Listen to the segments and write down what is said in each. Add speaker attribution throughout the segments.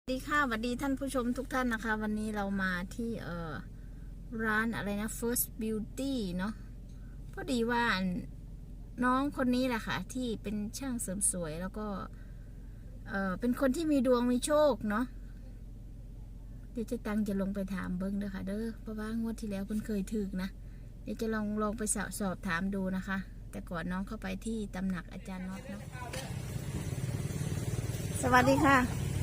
Speaker 1: สวัสดีค่ะสวัสดีท่านผู้ชมทุกท่านนะคะวันนี้เรามาที่ร้านอะไรนะ First Beauty เนาะพอดีว่าน้องคนนี้แหละค่ะที่เป็นช่างเสริมสวยแล้วก็เป็นคนที่มีดวงมีโชคเนาะเดี๋ยวจะลงไปถามเบิ้งเด้อค่ะเด้อเพราะว่างวดที่แล้วเพิ่นเคยถึกนะเดี๋ยวจะลองไปสอบถามดูนะคะ แต่ก่อนน้องเข้าไปที่ตำหนักอาจารย์น็อตเนาะสวัสดีค่ะ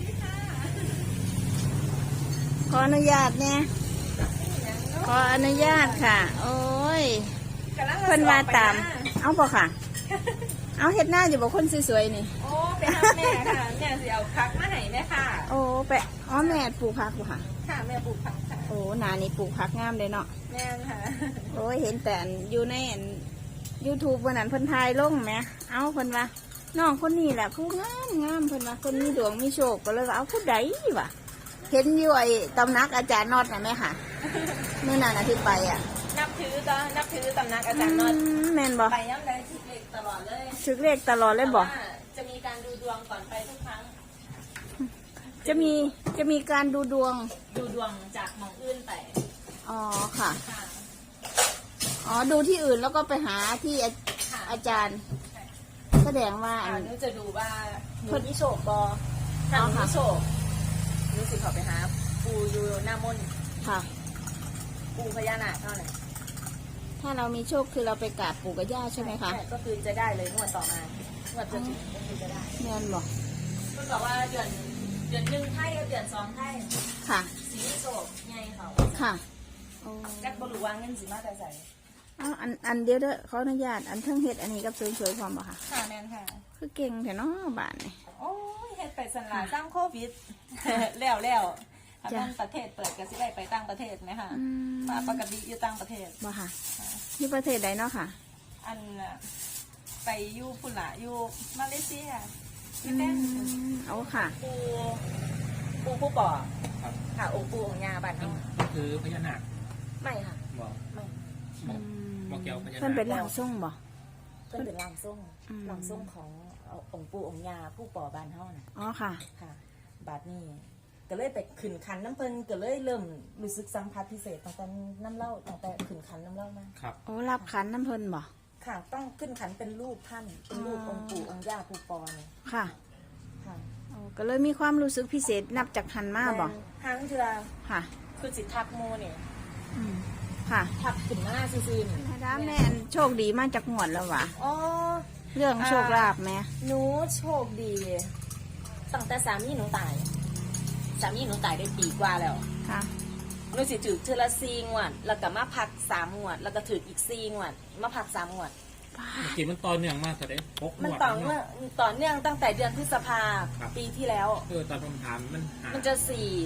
Speaker 1: ขออนุญาตเนี่ยขออนุญาตค่ะโอ้ยเพิ่นมาตามเอาบ่ค่ะเอาเฮ็ดหน้าอยู่บ่คนสวยๆนี่
Speaker 2: โอ้ไปหาแม่ค่ะแม่สิเอาพักมาให้แม่ค่ะ
Speaker 1: โอ้ไปอ๋อแม่ปลูกผักบ่ค่ะ
Speaker 2: ค่ะแม่ปลูกผักค่ะ
Speaker 1: โอ้หน้านี่ปลูกผักงามเลยเนาะ
Speaker 2: แม่ค่ะ
Speaker 1: โอ้ยเห็นแต่อยู่ในYouTube วันนั้นเพิ่นถ่ายลงแหมเอาเพิ่นว่าน้องคนนี้แหละผู้งามเพิ่นว่าคนมีดวงมีโชคก็เลยว่าเอาผู้ใดวะเห็นอยู่ไอ้ตำนักอาจารย์น็อตน่ะแม่ค่ะเมื่อนั้นที่ไปอ่ะ
Speaker 2: นับถือตำนักอาจารย์น็อต
Speaker 1: แม่นบ่
Speaker 2: ไปย้ำเลยถึกเลขตลอดเลย
Speaker 1: ถึกเลขตลอดเลยบ่
Speaker 2: จะมีการดูดวงก่อนไปทุกครั้ง
Speaker 1: จะมีการดูดวง
Speaker 2: จากหมองอื่นไป
Speaker 1: อ๋อค่ะอ๋อดูที่อื่นแล้วก็ไปหาที่อาจารย์แสดงว่า
Speaker 2: หนูจะดูว่าหนูมีโชคบ่ถ้าหนูมีโชคหนูสิขอไปหาปูอยู่หน้ามน
Speaker 1: ค่ะ
Speaker 2: ปูพญานาคเท่าไหร่
Speaker 1: ถ้าเรามีโชคคือเราไปกราบปู่กับย่าใช่ไหมคะ
Speaker 2: ก็คือจะได้เลยงวดต่อมางวดจะถึงก็คือจะได้
Speaker 1: เงินบอก
Speaker 2: ก็บอกว่าเดือนหนึ่งไทยกับเดือนสองไทย
Speaker 1: ค่ะ
Speaker 2: สีโศกไงเขา
Speaker 1: ค่ะ
Speaker 2: จักบรูวางเงินสีมาแต่ใส่
Speaker 1: อันเดียวเด้อขออนุญาตอันเทิงเฮ็ดอันนี้กับสวยๆพร้อมบ่ค่ะ
Speaker 2: ค่ะแม่นค่ะ
Speaker 1: คือเก่งแท้เนาะบ้านนี่
Speaker 2: โอ้ยเฮ็ดไปสันลาสร้างโควิดแล้วถ้าเป็นประเทศเปิดก็สิได้ไปต่างประเทศไหมคะมาปกติอยู่ต่างประเทศ
Speaker 1: บ่ค่ะที่ประเทศใดเนาะค่ะ
Speaker 2: อันไปอยู่พุ่นละอยู่มาเลเซียที่เป็น
Speaker 1: เอาค่ะ
Speaker 2: ปูผู้ป่อค่ะองค์ปูของยาบ้านเฮา
Speaker 3: คือพญานาค
Speaker 2: ไม่ค่ะไม่
Speaker 3: บอกเกี่ยวพญานาค
Speaker 1: เพิ่นเป็นร่างทรงบ่
Speaker 2: เพิ่นเป็นร่างทรงขององค์ปู่องค์ยาผู้ป่อบ้านเฮาน่ะ
Speaker 1: อ๋อค่ะ
Speaker 2: บาดนี้ก็เลยไปขึ้นคันน้ำเพิ่นก็เลยเริ่มรู้สึกสัมผัสพิเศษตั้งแต่น้ำเล่าตั้งแต่ขึ้นคันน้ำเล่ามา
Speaker 3: ครับ
Speaker 1: โอ้รับขันน้ำเพิ่นบ่
Speaker 2: ค่ะต้องขึ้นขันเป็นรูปท่านเป็นรูปองค์ปู่องค์ย่าผู้ปอเนี่ย
Speaker 1: ค่ะก็เลยมีความรู้สึกพิเศษนับจากหันมาบ่
Speaker 2: ทางเทือ
Speaker 1: ค่ะ
Speaker 2: คือสิทักโมเนี่ย
Speaker 1: ค่ะ
Speaker 2: ทักขึ้นหน้าซื่อๆนี่
Speaker 1: ถ้าแม่โชคดีมาจากงวดแล้ววะ
Speaker 2: อ๋อ
Speaker 1: เรื่องโชคลาภไหม
Speaker 2: หนูโชคดีตั้งแต่สามีหนูตายได้ปีกว่าแล้ว
Speaker 1: ค่ะ
Speaker 2: หนูสิถือเทอละ4 งวดแล้วก็มาพัก3 งวดแล้วก็ถืออีก4 งวดมาพัก3 งวด
Speaker 3: กี่มันต่อเนื่องมากเลย
Speaker 2: มันต่อเนื่องตั้งแต่เดือนพฤษภาปีที่แล้ว
Speaker 3: ตอนผมถาม
Speaker 2: มันจะ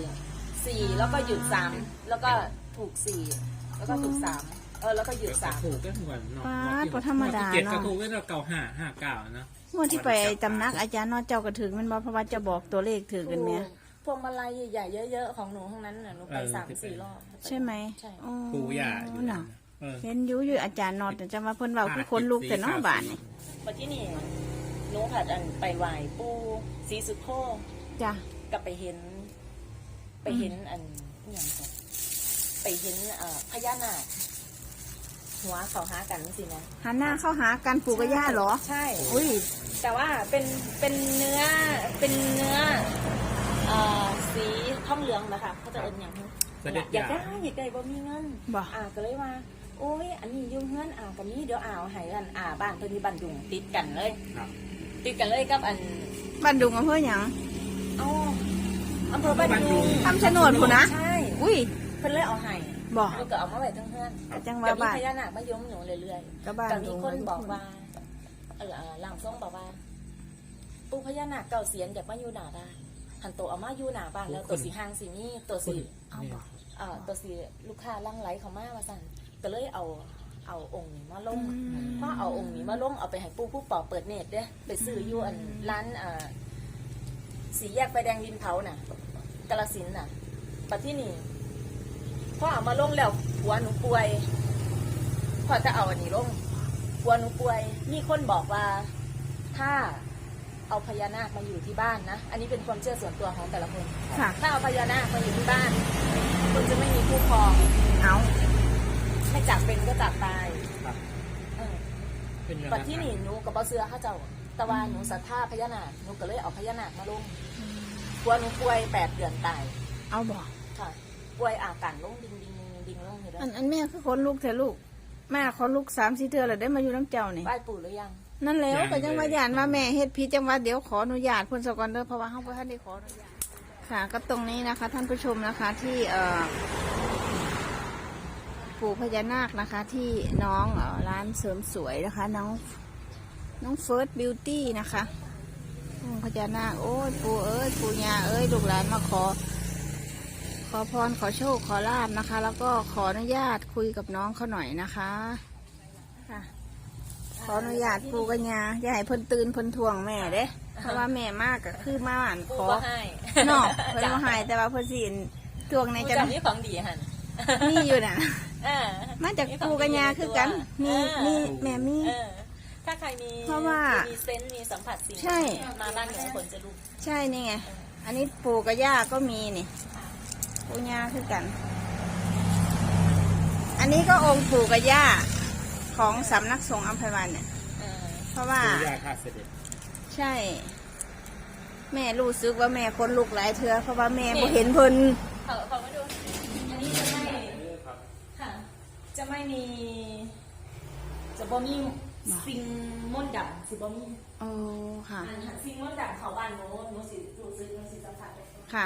Speaker 2: 4แล้วก็หยุด3แล้วก็ถูก4แล้วก็ถูก3แล้วก็หยุด3
Speaker 3: ถูกก็เหมือนเนาะ
Speaker 1: ก็ธรรมดาเนาะ
Speaker 3: 7ก็ถูกก็เก่า559นะ
Speaker 1: เมื่อที่ไปตำนักอาจารย์นอเจ้ากระถึงมันบอกเพราะว่าจะบอกตัวเลขถือกันไหม
Speaker 2: พวงมาลัยใหญ่ๆเยอะๆของหนูทั้งนั้นน่ะหนูไป3-4 รอบ
Speaker 1: ใช่ไหม
Speaker 2: ใช่
Speaker 3: ปู่ย่าอยู่
Speaker 1: นะเห็นอยู่อาจารย์นอจะมาเพิ่นเบาคือคนลูกแต่น้องบ้านนี่
Speaker 2: มาที่นี่หนูผัดไปไหว้ปู่ศรีสุโธ
Speaker 1: จ้ะ
Speaker 2: กับไปเห็นอันอย่างไรไปเห็นพญานาคหัวเขาหากันสินะ
Speaker 1: หันหน้าเข้าหากันปู่กับย่าเหรอ
Speaker 2: ใช่
Speaker 1: อุ้ย
Speaker 2: แต่ว่าเป็นเนื้อสีทองเหลืองนะคะเขาจะเอิ้นอย่างนี้อยากได้บ่มีเงินก็เลยว่าโอ้ยอันนี้ยุ่งเงินกับนี้เดี๋ยวให้กันบ้านเพิ่นมีบ้านดุงติดกันเลยกับอัน
Speaker 1: บ้านดุงอำเภอหยัง
Speaker 2: อำเภอบ้านดุง
Speaker 1: คำชะโนดพุ่นนะ
Speaker 2: ใช่
Speaker 1: อุ้ย
Speaker 2: เพิ่นเลยเอาให้
Speaker 1: บอก
Speaker 2: ก็เอามาไว้ทั้งเฮือน
Speaker 1: จังว่าบ้าน
Speaker 2: พญานาคมาย้มหนูเรื่อยๆก็มีคนบอกว่าหลังทรงบอกว่าปู่พญานาคเก่าเสียนอยากมาอยู่หน้าบ้านหันโตเอามาอยู่หน้าบ้านแล้วตัวสีหางสีนี้ตัวสีตัวสีลูกค้าลั่งไหลเขามาว่าสั่นก็เลยเอาองค์นี้มาลงเพราะเอาองค์นี้มาลงเอาไปให้ปู่ผู้ปอเปิดเน็ตเด้ไปซื้ออยู่ร้านสีแยกไฟแดงดินเผาน่ะกาฬสินธุ์น่ะปัจจุบันนี้พ่อเอามาลงแล้วหัวหนูป่วยพ่อจะเอาอันนี้ลงหัวหนูป่วยมีคนบอกว่าถ้าเอาพญานาคมาอยู่ที่บ้านนะอันนี้เป็นความเชื่อส่วนตัวของแต่ละคน
Speaker 1: ค่ะ
Speaker 2: ถ้าเอาพญานาคมาอยู่ที่บ้านคุณจะไม่มีคู่ครอง
Speaker 1: เอา
Speaker 2: ไม่จากเป็นก็จากตาย
Speaker 3: ครับ
Speaker 2: เออ
Speaker 3: เป็นยังไง
Speaker 2: ปัจที่นี่หนูกับบ่เสือเขาเจ้าแต่ว่าหนูศรัทธาพญานาคหนูก็เลยเอาพญานาคมาลงกลัวหนูป่วย8 เดือนตาย
Speaker 1: เอาบอก
Speaker 2: ค่ะป่วยอาการลงดิ่งลงอยู่แล้ว
Speaker 1: อันแม่คือคนลูกเถอะลูกแม่ขอลูก3-4 เทื่อแล้วได้มาอยู่น้ำเจ้านี่
Speaker 2: ไหว้ปู่หรือยัง
Speaker 1: นั่นแล้วก็ยังมาหยานว่าแม่เฮ็ดผิดจังว่าเดี๋ยวขออนุญาตเพิ่นสก่อนเด้อเพราะว่าเฮาบ่ทันได้ขออนุญาตค่ะก็ตรงนี้นะคะ ท่านผู้ชมนะคะที่ปู่พญานาคนะคะที่น้องร้านเสริมสวยนะคะน้องเฟิร์สบิวตี้นะคะพญานาคโอ้ยปู่เอ้ยปู่ย่าเอ้ยลูกหลานมาขอพรขอโชคขอลาบนะคะ แล้วก็ขออนุญาตคุยกับน้องเขาหน่อยนะคะค่ะขออนุญาตปู่กับย่าอย่าให้เพิ่นตื่นเพิ่นทวงแม่เด้เพราะว่าแม่มากก็คือมาอ่านข
Speaker 2: ปู่
Speaker 1: อ
Speaker 2: ก็ให้
Speaker 1: เนาะเพิ่นบ่ให้แต่ว่าเพิ่นสิทวงใน
Speaker 2: ปู่
Speaker 1: จัง
Speaker 2: จำนี่ของดีหัน
Speaker 1: นี่อยู่น่ะ
Speaker 2: เออ
Speaker 1: มาจากปู่กับย่าคือกันมีแม่มี
Speaker 2: เออถ้าใครมี
Speaker 1: เพราะว่า
Speaker 2: มีเซนส์มีสัมผัสสิ่ง
Speaker 1: ใช่
Speaker 2: มาบ้านหนูผลจะรู้
Speaker 1: ใช่นี่ไงอันนี้ปู่กับย่าก็มีนี่ปู่ย่าคือกัน อันนี้ก็องค์ปู่กับย่าของสำนักสงฆ์อัมพวันเนี่ย
Speaker 2: เออ
Speaker 1: เพราะว่า
Speaker 3: ปู่ย่าข้าเสด็จ
Speaker 1: ใช่ แม่รู้สึกว่าแม่คนลุกหลายเทือเพราะว่าแม่บ่เห็นเพิ่น
Speaker 2: เขามาดูอันนี้จะไม่ค่ะจะไม่มีจะบ่มีสิ่งมนต์ดำสิบ่มี
Speaker 1: โอ้ค่ะ
Speaker 2: อันหันสิ่งมนต์ดำเขาบ้านหนูสิรู้สึกหนูสิสัมผัสได้
Speaker 1: ค่ะ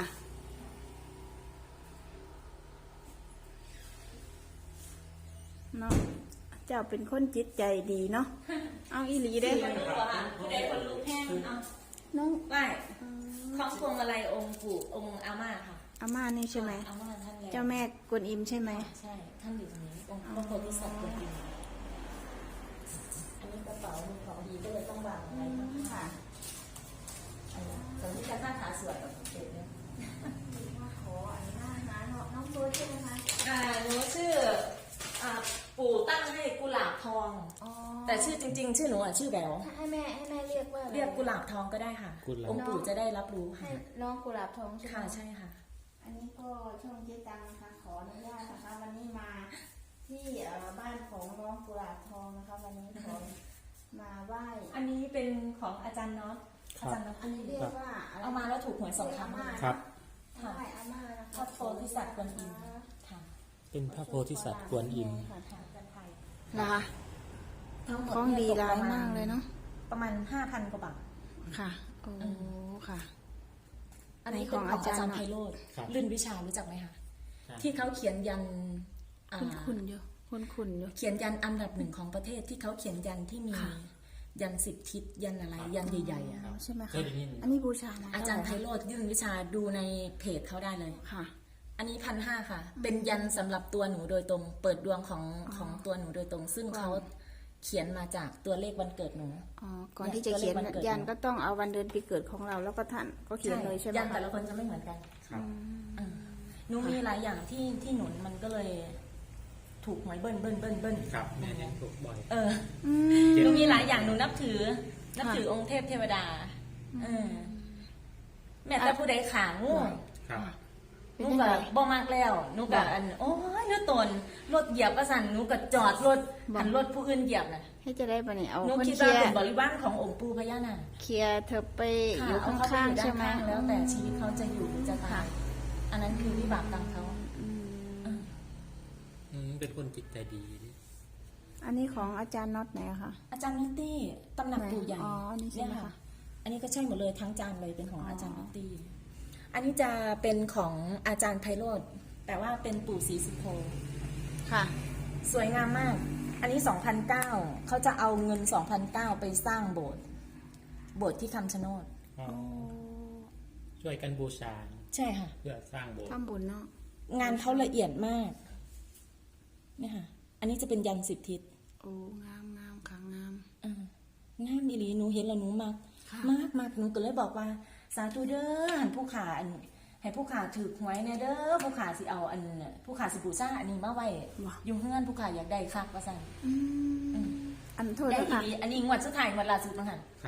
Speaker 1: เนาะเจ้าเป็นคนจิตใจดีเนาะ เอาอีหลีเด้
Speaker 2: คนรู้อะค่ะผู้ใดคนรู้แห้งเอา
Speaker 1: น้อง
Speaker 2: ไหว้ของพวงมาลัยองค์ปู่องค์อาม่าค่ะ
Speaker 1: อาม่านี่ใช่ไหม
Speaker 2: อาม่าท่านแล้ว
Speaker 1: เจ้าแม่กวนอิมใช่ไหม
Speaker 2: ใช่ท่านอยู่ตรงนี้องค์พระโพธิสัตว์ตัวจริงอันนี้กระเป๋ามีของดีก็เลยต้องวางไว้ค่ะอันนี้ตรงนี้จะหน้าขาสวยกับเด็กเนี่ย
Speaker 1: ขออันนี้นะน้องเบิร์ดใช่ไหมคะ
Speaker 2: หนูชื่อปู่ตั้งให้กุหลาบทอง
Speaker 1: อ๋อ
Speaker 2: แต่ชื่อจริง ๆ ชื่อหนูอ่ะชื่อแบว
Speaker 1: ให้แม่เรียกว่าอะไร
Speaker 2: เรียกกุหลาบทองก็ได้ค่ะ องค์ปู่จะได้รับรู้
Speaker 1: ให้
Speaker 2: ค่ะ
Speaker 1: น้องกุหลาบทองใช่ไหม
Speaker 2: ค่ะใช่ค่ะ
Speaker 1: อันนี้ก็ช่องเจ๊ตังนะคะ ขออนุญาตนะคะ วันนี้มาที่บ้านของน้องกุหลาบทองนะคะ วันนี้ขอมาไหว้
Speaker 2: อันนี้เป็นของอาจารย์น็อตอาจารย์น็อต
Speaker 1: อันนี้เรียกว่าะไร
Speaker 2: เอามาแล้วถูกหวย2 ครั้ง
Speaker 3: ครับ
Speaker 1: ไหว้อาม่านะคะ
Speaker 2: พระโพธิสัตว์กวนอิมค่ะ
Speaker 3: เป็นพระโพธิสัตว์กวนอิม
Speaker 2: ค่ะอาจารย์ไทย
Speaker 1: นะคะ
Speaker 2: ทั้งหมด
Speaker 1: ของดี
Speaker 2: นี่ต
Speaker 1: ร้ายมากเลยเนาะ
Speaker 2: ประมาณ 5,000 กว่าบาท
Speaker 1: ค่ะ โอ้ค่ะ
Speaker 2: อันนี้เป็นของอาจารย์ไพโรธ
Speaker 3: ครับ
Speaker 2: ลื่นวิชารู้จักไหมคะ
Speaker 3: ใช่
Speaker 2: ที่เขาเขียนยันอ่า
Speaker 1: คุณอยู่คุณอยู่
Speaker 2: เขียนยันอันดับ 1ของประเทศที่เขาเขียนยันที่มี
Speaker 1: ค่ะ
Speaker 2: ยัน10 ทิศยันอะไรยันใหญ่ๆอ่ะ
Speaker 1: ใช่ไหม
Speaker 3: เค
Speaker 1: คะ
Speaker 3: ยได้ยิน
Speaker 1: อันนี้บูชานะ
Speaker 2: อาจารย์ไพโรธยื่นวิชาดูในเพจเขาได้เลย
Speaker 1: ค่ะ
Speaker 2: อันนี้1,500 ค่ะ เป็นยันสำหรับตัวหนูโดยตรง เปิดดวงของตัวหนูโดยตรง ซึ่งเขาเขียนมาจากตัวเลขวันเกิดหนู
Speaker 1: อ๋อ ก่อนที่จะเขียน
Speaker 2: ตัวเลขวันเกิด
Speaker 1: ยันก็ต้องเอาวันเดือนปีเกิดของเราแล้วก็ท่านก็เขียนเลยใช่ไหม
Speaker 2: ยัน
Speaker 1: คะ
Speaker 2: แต่ละคนจะไม่เหมือนกัน
Speaker 3: ครับ
Speaker 2: หนูมีหลายอย่างที่หนุนมันก็เลยถูกหวยเบิ้ล
Speaker 3: ครับแม่เนี่ยถูกบ่อย
Speaker 2: เออ
Speaker 1: อืม
Speaker 2: หนูมีหลายอย่างหนูนับถือองค์เทพเทวดาเออแม่แต่ผู้ใดขางู
Speaker 3: ครับ
Speaker 2: หนูก็บ่มากแล้วหนูก็อันโอ้ยเนื้อตนรถเหยียบว่าสั่นหนูก็จอดรถหันรถผู้อื่นเหยียบน่ะ
Speaker 1: ให้จะได้ปะเนี่ยเอา
Speaker 2: หนู
Speaker 1: คน
Speaker 2: คิด
Speaker 1: เคลี
Speaker 2: ว่าย
Speaker 1: ร์
Speaker 2: เป็นบริวารขององค์ปู่พญานาค
Speaker 1: เคลียร์เธอไปอยู่
Speaker 2: ค่ะ
Speaker 1: ข้างๆ
Speaker 2: เอ
Speaker 1: ใช่ไหม
Speaker 2: ข้างๆแล้วแต่ชีวิตเขาจะอยู่หรือจะตายอันนั้นคือวิบากกรรมเขา
Speaker 1: อืม
Speaker 3: เป็นคนจิตใจดี
Speaker 1: อันนี้ของอาจารย์น็อตไหนอะคะ
Speaker 2: อาจารย์นิตตี้ตำหนักปู่ใหญ่
Speaker 1: อ๋ออันนี้ใช่ไหม
Speaker 2: เนี่ย
Speaker 1: คะ
Speaker 2: อันนี้ก็ใช่หมดเลยทั้งจานเลยเป็นของอาจารย์นิตตี้อันนี้จะเป็นของอาจารย์ไพโรธแต่ว่าเป็นปู่ศรีสุโธ
Speaker 1: ค่ะ
Speaker 2: สวยงามมาก อันนี้ 2,009เขาจะเอาเงิน 2,009ไปสร้างโบสถ์ที่คำชะโนด
Speaker 3: อ๋อช่วยกันบูชา
Speaker 2: ใช่ค่ะ
Speaker 3: เพื่อสร้างโบสถ์
Speaker 1: ทำบุญเนาะ
Speaker 2: งานเขาละเอียดมากเนี่ยค่ะ อันนี้จะเป็นยัน10 ทิศ
Speaker 1: โอ้งามค่ะงาม
Speaker 2: งามดีหลีหนูเห็นแล้วหนูมาก
Speaker 1: ค่ะ
Speaker 2: มากหนูก็เลยบอกว่า สาธุเด้อหันผู้ขาอันให้ผู้ขาถือหวยเนี่ยเด้อผู้ขาสิเอาอันผู้ขาสิบูชาอันนี้มาไว้อยู่เฮือนผู้ขาอยากได้คักว่าซั่น
Speaker 1: อันโทษ
Speaker 2: ได้
Speaker 1: นะ
Speaker 2: อี
Speaker 1: คะ
Speaker 2: หลีอันนี้งวดสุดท้ายงวดล่าสุดมั้งค่ะ
Speaker 3: ครับ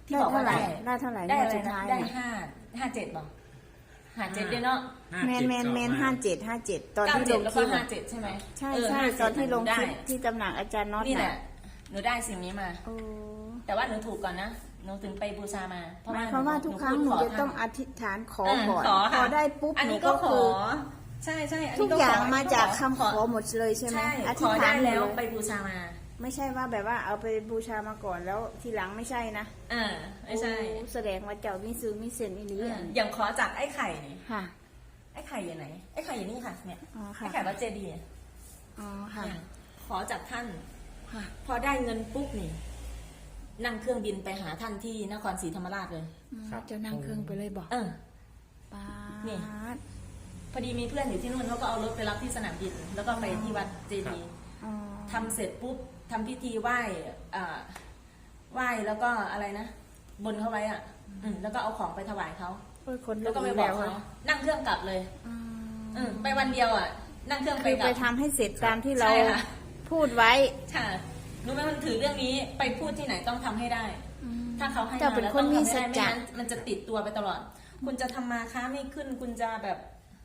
Speaker 2: ที่บอกว่า
Speaker 1: ได้เท่าไหร่
Speaker 2: ได้
Speaker 1: งว
Speaker 2: อะไร
Speaker 1: สุด
Speaker 2: นะ
Speaker 1: ท้าย
Speaker 2: ได้
Speaker 1: น่ะ
Speaker 2: 57บอก57ด้วยเนาะ
Speaker 1: แมน57ตอนที่ลง
Speaker 2: แล้ว
Speaker 1: คลิ
Speaker 2: ก็
Speaker 1: ปอะ
Speaker 2: 57ใช่ไหม
Speaker 1: ใช่
Speaker 2: เ
Speaker 1: ใช่
Speaker 2: 57
Speaker 1: ตอนที่ลงคลิป
Speaker 2: ได้
Speaker 1: ที่ตำหนักอาจารย์น็อต
Speaker 2: นี่แห
Speaker 1: น่ะ
Speaker 2: ละหนูได้สิ่งนี้มา
Speaker 1: โอ้
Speaker 2: แต่ว่าหนูถูกก่อนนะหนูถึงไปบูชามา
Speaker 1: หมายความว่าทุกครั้งหนูจะต้องอธิษฐานขอก่อน
Speaker 2: ขอ
Speaker 1: พ
Speaker 2: ค่ะ
Speaker 1: อได้ปุ๊บ
Speaker 2: อัน
Speaker 1: หนู
Speaker 2: นี้ก็
Speaker 1: ก็
Speaker 2: ข
Speaker 1: คือ อ
Speaker 2: ใช่ใช่อัน
Speaker 1: ทุ
Speaker 2: นี้
Speaker 1: ก
Speaker 2: ก็
Speaker 1: อย่าง
Speaker 2: ข
Speaker 1: มาจากคำขอหมดเลยใช่ไหม
Speaker 2: ใช่
Speaker 1: อ
Speaker 2: ข
Speaker 1: ธิษ
Speaker 2: อ
Speaker 1: ฐา
Speaker 2: ได้
Speaker 1: น
Speaker 2: แล้ว
Speaker 1: เลย
Speaker 2: ไปบูชามา
Speaker 1: ไม่ใช่ว่าแบบว่าเอาไปบูชามาก่อนแล้วทีหลังไม่ใช่นะ
Speaker 2: ไม่ใช่
Speaker 1: โอ้แสดงว่าเจ้ามีซื้อมีเส้นอีหลี
Speaker 2: อย่างขอจากไอ้ไข่นี่
Speaker 1: ค่ะ
Speaker 2: ไอ้ไข่อยู่ไหนไอ้ไข่อยู่นี่ค่ะเนี่ย
Speaker 1: อ๋อ
Speaker 2: ไอ้
Speaker 1: ค่ะ
Speaker 2: ไข่วัดเจดีย์
Speaker 1: อ๋อค่ะ
Speaker 2: เนี่ยขอจากท่าน
Speaker 1: ค่ะ
Speaker 2: พอได้เงินปุ๊บนี่ นั่งเครื่องบินไปหาท่านที่นครศรีธรรมราชเลย
Speaker 3: ครับ
Speaker 1: เจะนั่งเครื่องไปเลยบอก ป้า
Speaker 2: นี่
Speaker 1: ด
Speaker 2: พอดีมีเพื่อนอยู่ที่นู่นเขาก็เอารถไปรับที่สนามบิน แล้วก็ไปที่วัดเจดีย์
Speaker 1: อ๋อ
Speaker 2: ทำเสร็จปุ๊บทำพิธีไหว้ไหว้แล้วก็อะไรนะบนเขาไว้แล้วก็เอาของไปถวายเขา
Speaker 1: โอ้ยคน
Speaker 2: แล้วก็ไป
Speaker 1: อี
Speaker 2: บอก
Speaker 1: อะ
Speaker 2: เขานั่งเครื่องกลับเลย
Speaker 1: อ๋อ
Speaker 2: ไปวันเดียวนั่งเครื่องไป
Speaker 1: คือก
Speaker 2: ลั
Speaker 1: ไป
Speaker 2: บ
Speaker 1: ทำให้เสร็จตามที่เรา
Speaker 2: ใช่ค่ะ
Speaker 1: พูดไว้
Speaker 2: ค่ะหนูไม่มันถือเรื่องนี้ไปพูดที่ไหนต้องทำให้ได้ ถ้าเขาให้
Speaker 1: เจ้า
Speaker 2: มา
Speaker 1: เป็น
Speaker 2: แล้ว
Speaker 1: ค
Speaker 2: ต้
Speaker 1: น
Speaker 2: อง
Speaker 1: มี
Speaker 2: ทำให้
Speaker 1: สั
Speaker 2: ได้
Speaker 1: จ
Speaker 2: ไม่
Speaker 1: จะ
Speaker 2: งั้นมันจะติดตัวไปตลอด คุณจะทำมาค้าไม่ขึ้น คุณจะแบบ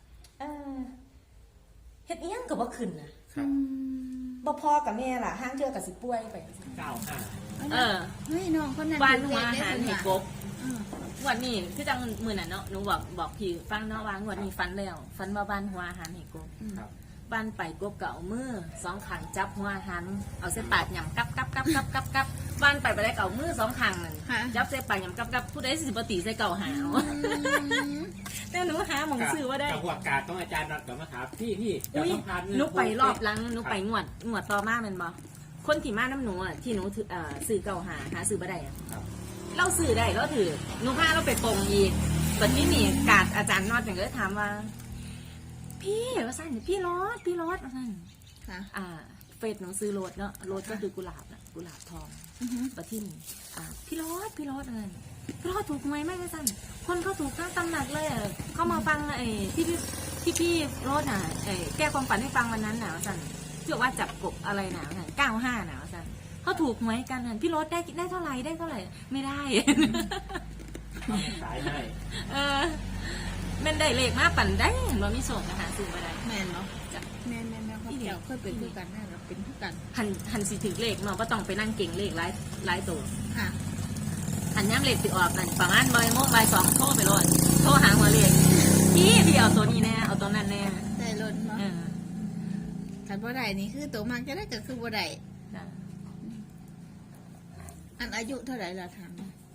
Speaker 2: เฮ็ดเอี้ยงกับว่าขึ้นนะครับ บ่พอกับแม่ล่ะห้างเทือกับสิป่วยไป
Speaker 3: 95
Speaker 1: เฮ้ยน้องคนนั้น
Speaker 2: บ้าน
Speaker 1: ถื
Speaker 2: หัว
Speaker 1: อ
Speaker 2: อา
Speaker 1: เลข
Speaker 2: หาร
Speaker 1: ได้
Speaker 2: เห็ด
Speaker 1: เพิ่น
Speaker 2: ก
Speaker 1: ว่ะ
Speaker 2: บงวดนี้คือจังมือน่ะเนาะหนูบอกพี่ฟังเนาะว่างวดนี้ฟันแล้วฟันมาบ้านหัวอาหารเห็ดกบ
Speaker 3: ครับ
Speaker 2: บ้านไปกบเก่ามือสองขังจับหัวอาหารเอาเส้นปากหยำกับบ้านไปได้เก่ามือสองขังนั่นจับเส้นปากหยำกับผู้ใดสิบตีใส่เก่าหาวแต่หนูหาหมองซื้อว่าได้
Speaker 3: กับหัวกาดต้องอาจารย์นัดกับมาถามพี่จะ
Speaker 2: อุ้ย
Speaker 3: ต้องพา
Speaker 2: หนูไปรอบหลังหนูไปงวดต่อมาแมันบ่คนที่มาน้ำหนูที่หนูซื้อเก่าหาซื้อบ่ได้อะ
Speaker 3: ครับ
Speaker 2: เราซื้อได้เราถือหนูพาเราไปปงอีกตอนนี้นี่กาดอาจารย์นอดอย่างก็ถามว่า พี่ว่าสั่นพี่รถว่าสั่น
Speaker 1: ค่ะ
Speaker 2: เฟซหนูซื้อรถเนาะรถก็คือกุหลาบนะกุหลาบทองประที่นี่พี่รถพี่รถถูกไหมไม่ได้สั่นคนเขาถูกทั้งตำหนักเลยเขามาฟังพี่รถแก้ความฝันให้ฟังวันนั้นหนาวสั่นเชื่อว่าจับกบอะไรหนาวสั่น95หนาวสั่นเขาถูกไหมกันนั่นพี่รถได้เท่าไหร่ไม่ได้
Speaker 3: สายให้
Speaker 2: แม่นได้เลขมาปั่นได้บ่มีโศกนะคะซื้อมาได้
Speaker 1: แม่นเนาะ
Speaker 2: จ้ะ
Speaker 1: แม่นเขาเจ้าเคยเป็นคือกันแม่เราเป็นคือกัน
Speaker 2: หันสิถึงเลขเนาะบ่ต้องไปนั่งเก่งเลขหลายตัว
Speaker 1: ค่ะ
Speaker 2: หันย้ำเลขสิออกนั่นประมาณบ่าย 2โทรไปโลดโทรหาหัวเลขพี่เอาตัวนี้แน่เอาตัวนั้นแน่
Speaker 1: ได้รถเนาะ
Speaker 2: เออ
Speaker 1: ขันบ่ได้นี่คือตัวมากจะได้ก็คือบ่ได้
Speaker 2: จ้ะ
Speaker 1: อันอายุเท่าไหร่ล่ะถาม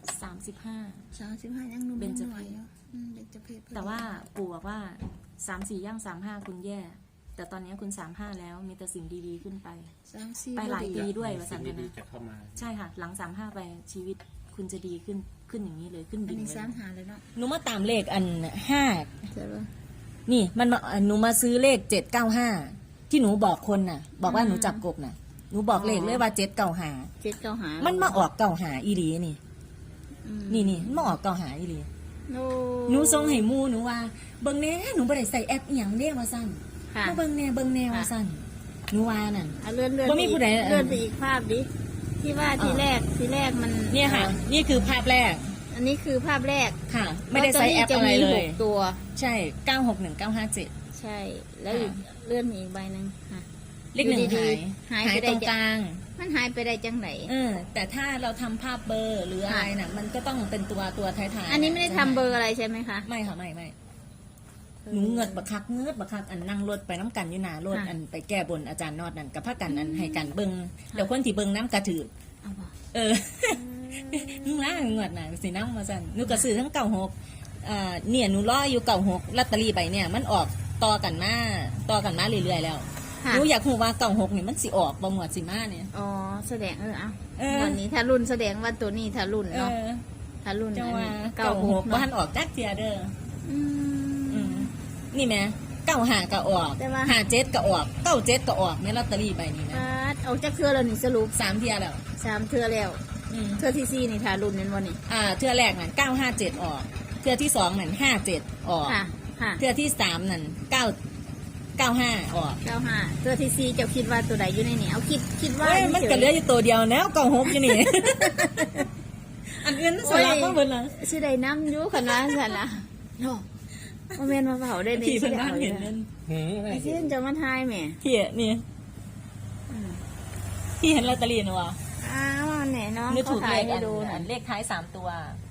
Speaker 2: 35
Speaker 1: 35ยังหนุ่ม
Speaker 2: เบญจ
Speaker 1: ห
Speaker 2: เพ
Speaker 1: น่อย
Speaker 2: ศ
Speaker 1: อยู่เบญจเพศ
Speaker 2: แต่ว่าปู่บอกว่า34ย่าง35คุณแย่ แต่ตอนนี้คุณ35แล้วมีแต่สิ่งดีๆขึ้นไป
Speaker 1: 34
Speaker 2: ไปหลายปี
Speaker 1: บ่
Speaker 2: ด้วยว่าสัน
Speaker 3: สิ่
Speaker 2: นะ
Speaker 3: งดีๆจะเข้ามา
Speaker 2: ใช่ค่ะ หลัง35ไปชีวิตคุณจะดีขึ้นอย่างนี้เลยขึ้น
Speaker 1: อัน
Speaker 2: ดิ่ง
Speaker 1: นี้
Speaker 2: เลย
Speaker 1: 35เลยเนาะ
Speaker 2: หนูมาตามเลขอัน5
Speaker 1: เจอบ่
Speaker 2: นี่มันมาหนูมาซื้อเลข795ที่หนูบอกคนน่ะ บอกว่าหนูจับกบน่ะหนูบอกเลขเลยว่า795
Speaker 1: 795
Speaker 2: มันมาออก95อีหลีนี่ นี่มันมาออก95อีหลี
Speaker 1: โอ้
Speaker 2: หนูส่งให้หมู่หนูว่าเบิ่งแน่หนูบ่ได้ใส่แอปอีหยังเด้ว่าซั่น
Speaker 1: ค่ะ
Speaker 2: มาเบิ่งแน่ว่าซั่นหนูว่านั่น
Speaker 1: เลื่อน
Speaker 2: บ่มีผู้ใด
Speaker 1: เลื่อนไปอีกภาพดิที่ว่าทีแรกมัน
Speaker 2: เนี่ยค่ะ นี่คือภาพแรก
Speaker 1: อันนี้คือภาพแรก
Speaker 2: ค่ะ ไม่ได้ใส่แอปอะไรเลย
Speaker 1: 6ตัว
Speaker 2: ใช่961957
Speaker 1: ใช่ แล้วอีกเลื่อนมีอีกใบหนึ่งค่ะ
Speaker 2: เลขหนึ่ง
Speaker 1: อยู่ดี
Speaker 2: หาย
Speaker 1: หายไป
Speaker 2: ตรง
Speaker 1: ได้
Speaker 2: กลาง
Speaker 1: มันหายไปได้จังไหน
Speaker 2: แต่ถ้าเราทำภาพเบอร์หรืออะไรน่ะ มันก็ต้องเป็นตัวท้ายๆ
Speaker 1: อันนี้ไม่ได้ทำเบอร์อะไรใช่ไหมคะ
Speaker 2: ไม่ค่ะไม่หนูเงิดบักคักอันนั่งรถไปน้ำกันอยู่หนารถ
Speaker 1: ค่ะ
Speaker 2: อันไปแก้บนอาจารย์นอดนั่นกับพากันอันให้กันเบิงเดี๋ยวคนที่เบิงน้ำกระถือ
Speaker 1: เอาบ่
Speaker 2: นุ่งล่างเงิดน่ะสีน้ำมาสั่นหนูกระสือทั้ง96เนี่ยหนูรออยู่96ลอตเตอรี่ใบเนี่ยมันออกต่อกันมาเรื่อยๆแล้ว
Speaker 1: ค่ะ
Speaker 2: หนูอยากรู้ว่า96นี่มันสิออกบ่หมวดสิมาเนี่ย
Speaker 1: อ๋อแสดงเอา
Speaker 2: เออ
Speaker 1: วันนี้ถ้ารุ่นแสดงว่าตัวนี้ถ้ารุ่นเนาะถ้ารุ่น
Speaker 2: จังว่า
Speaker 1: 96
Speaker 2: 96บ่ทันออกจักเทียเด้อ
Speaker 1: อืม
Speaker 2: นี่แม่95ก็ออก
Speaker 1: แต่ว่า
Speaker 2: 57ก็ออก97ก็ออกในลอตเตอรี่ใบนี้นะ
Speaker 1: เอาจากเทือแล้วนี่สรุป
Speaker 2: 3เทียแล้ว
Speaker 1: 3เทือแล้ว เทือที่4นี่ถ้ารุ่นนั้นวันนี้
Speaker 2: เทือแรกนั่น957ออกเทือที่2นั่น57ออก
Speaker 1: ค่ะค่ะ
Speaker 2: เทือที่3นั่น95ออก
Speaker 1: 95เทือที่4เจ้าคิดว่าตัวใดอยู่ในนี้เอาคิดว่า
Speaker 2: เฮ้ยมันก็เหลืออยู่ตัวเดียวแล้ว96อยู่นี่อันอื่นสลับมาเบิดละ
Speaker 1: สิได้น้ำอยู่ขนาดนั้นนะโน่บ่แม่นมาเผาได้
Speaker 2: พี่
Speaker 1: สิ
Speaker 2: เพิ่น
Speaker 1: ได้
Speaker 2: บ้าน
Speaker 1: เอา
Speaker 2: เห็น
Speaker 1: เล
Speaker 2: นั่
Speaker 1: ย
Speaker 2: น
Speaker 3: อะไร
Speaker 1: ไอ้เช่นจะมาทายแหม่
Speaker 2: พี่นี่พี่เห็นลอตเตอรี่นะวะ
Speaker 1: อ้าวแหน่น้อง
Speaker 2: นึก
Speaker 1: เขา
Speaker 2: ถูก
Speaker 1: ถ่า
Speaker 2: เลย ข
Speaker 1: ให้ดูหน่
Speaker 2: อั
Speaker 1: อย
Speaker 2: นเลขท้าย3ตัว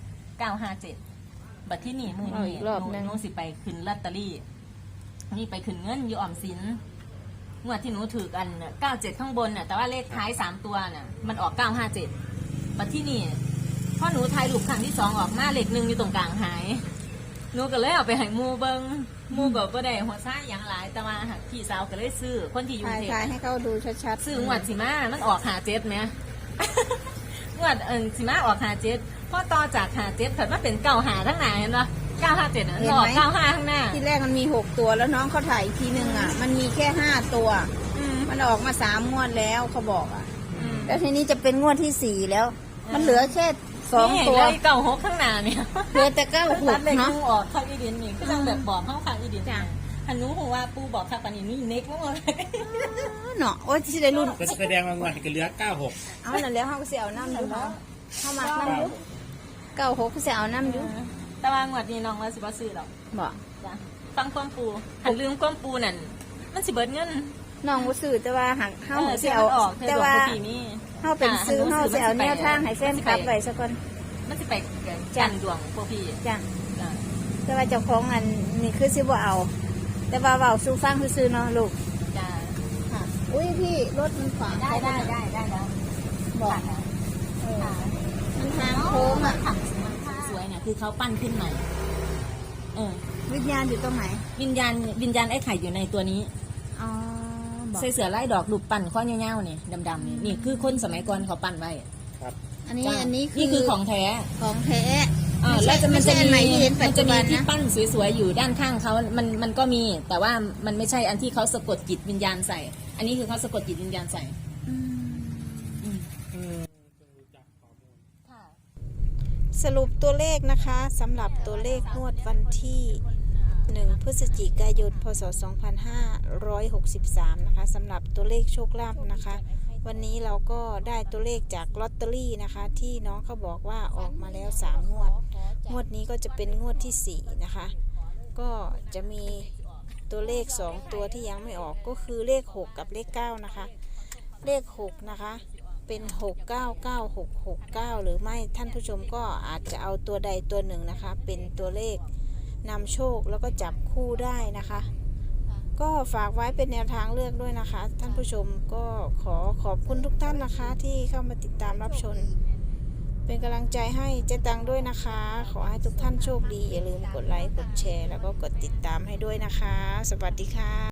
Speaker 2: 957บัตรที่นี่มือ
Speaker 1: เอา
Speaker 2: นี่
Speaker 1: อีกรอบหนึ่ง
Speaker 2: หนูสิไปขึ้นลอตเตอรี่นี่ไปขึ้นเงินอยู่ออมสินงวดที่หนูถือกัน97ข้างบนน่ะแต่ว่าเลขท้าย3ตัวน่ะมันออก957บัตรที่นี่พอหนูทายลูกครั้งที่2ออกมาเลข1อยู่ตรงกลางหายหนูก็เลยเอาไปให้หมูเบิงหมูก็บ่ได้หัวซ้ายอย่างหลายแต่ว่าหักพี่สาวก็เลยซื้อคนที่อยู่กรุงเทพ
Speaker 1: ถ่ายให้เขาดูชัดๆ
Speaker 2: ซื้องวดสิมามันออก57ไหม งวดสิมาออก57พอต่อจาก57เพิ่นมาเป็น95ทั้งหน้าเห็นบ่957น่ะออก95ข้างหน้า
Speaker 1: ที่แรกมันมี6ตัวแล้วน้องเขาถ่ายอีกทีนึงอ่ะ มันมีแค่5ตัว มันออกมา3งวดแล้วเขาบอกอ่ะ แล้วทีนี้จะเป็นงวดที่4แล้ว มันเหลือแค่2ตัว
Speaker 2: นี่96ข้างหน้าเนี่ย
Speaker 1: เหลือแต่
Speaker 2: ตัดเลข
Speaker 1: 96เนาะ
Speaker 2: งูออกข้างอีดินนี่ก็จังแบบบอกเข้าข้างอีดิน
Speaker 1: จ้ะ
Speaker 2: หันหนูฮู้ว่าปู่บอกข้างปานนี้นี่เน็กบ่หมด
Speaker 1: เนาะโอ้ยสิได้รุ่น
Speaker 3: ก็แสดงว่างวดก็เหลือ96
Speaker 1: เอานั่นแล้วเขาก็สิเอาน้ำอยู่เขาเขามักน้ำอยู่96ก็สิเอาน้ำอยู่
Speaker 2: แต่ว่างวดนี้น้องว่าสิบ่ซื้อหรอก
Speaker 1: บอก
Speaker 2: จ้ะฟังความปู่หันลืมความปู่นั่นมันสิเบิดเงิน
Speaker 1: น้องบ่ซื้อแต่ว่าหักเฮาสิ
Speaker 2: เสีย
Speaker 1: เอา
Speaker 2: ออก
Speaker 1: แต่ว่า
Speaker 2: ปีนี้
Speaker 1: เฮาเป็นซื้อเฮาสิเอาแนวทางให้แฟนคลับไว้ซะก่อน
Speaker 2: มันสิไปจันดวงพวกพี่
Speaker 1: จ้ะ
Speaker 2: จ้ะ
Speaker 1: แต่ว่าเจ้าของอันนี่คือสิบ่เอา แต่ว่าเว้าสู่ฟังซื่อๆเนาะลูก
Speaker 2: จ้ะ
Speaker 1: ค่ะอุ้ยพี่รถมันขวาง
Speaker 2: ได้ได้ได้ได้แล้ว
Speaker 1: บอก
Speaker 2: ค่ะ
Speaker 1: เออมันทางโค้งอ่ะ
Speaker 2: ถังสวยเนี่ยคือเขาปั้นขึ้นใหม่
Speaker 1: วิญญาณอยู่ตรงไหน
Speaker 2: วิญญาณไอ้ไข่อยู่ในตัวนี้
Speaker 1: อ๋อบอก
Speaker 2: ใส่เสือไล่ดอกลูกปั้นข้อเงี้ยวๆนี่ดำๆนี่นี่คือคนสมัยก่อนเขาปั้นไว้
Speaker 1: อันนี้
Speaker 2: จ้ะ
Speaker 1: อันนี้
Speaker 2: นี่คือของแท้
Speaker 1: ของแท้
Speaker 2: แล้วจะ
Speaker 1: ไม่ใช่อันใหม่ที่เห็นปั
Speaker 2: มั
Speaker 1: จ
Speaker 2: น
Speaker 1: จุ
Speaker 2: จะมี
Speaker 1: บัน
Speaker 2: ที่
Speaker 1: นะ
Speaker 2: ปั้นสวยๆอยู่ด้านข้างเขามันก็มี แต่ว่ามันไม่ใช่อันที่เขาสะกดจิตวิญญาณใส่ อันนี้คือเขาสะกดจิตวิญญาณใส่ ค่ะ
Speaker 1: สรุปตัวเลขนะคะสำหรับตัวเลขงวดวันที่ 1 พฤศจิกายน พศ 2563 นะคะสำหรับตัวเลขโชคลาภนะคะ วันนี้เราก็ได้ตัวเลขจากลอตเตอรี่นะคะ ที่น้องเขาบอกว่าออกมาแล้ว3งวด งวดนี้ก็จะเป็นงวดที่4นะคะ ก็จะมีตัวเลข2ตัวที่ยังไม่ออกก็คือเลข6กับเลข9นะคะ เลข6นะคะเป็น699669หรือไม่ท่านผู้ชมก็อาจจะเอาตัวใดตัวหนึ่งนะคะเป็นตัวเลขนำโชคแล้วก็จับคู่ได้นะคะ ก็ฝากไว้เป็นแนวทางเลือกด้วยนะคะ ท่านผู้ชมก็ขอบคุณทุกท่านนะคะที่เข้ามาติดตามรับชมเป็นกำลังใจให้เจ๊ตังด้วยนะคะ ขอให้ทุกท่านโชคดีอย่าลืมกดไลค์กดแชร์แล้วก็กดติดตามให้ด้วยนะคะ สวัสดีค่ะ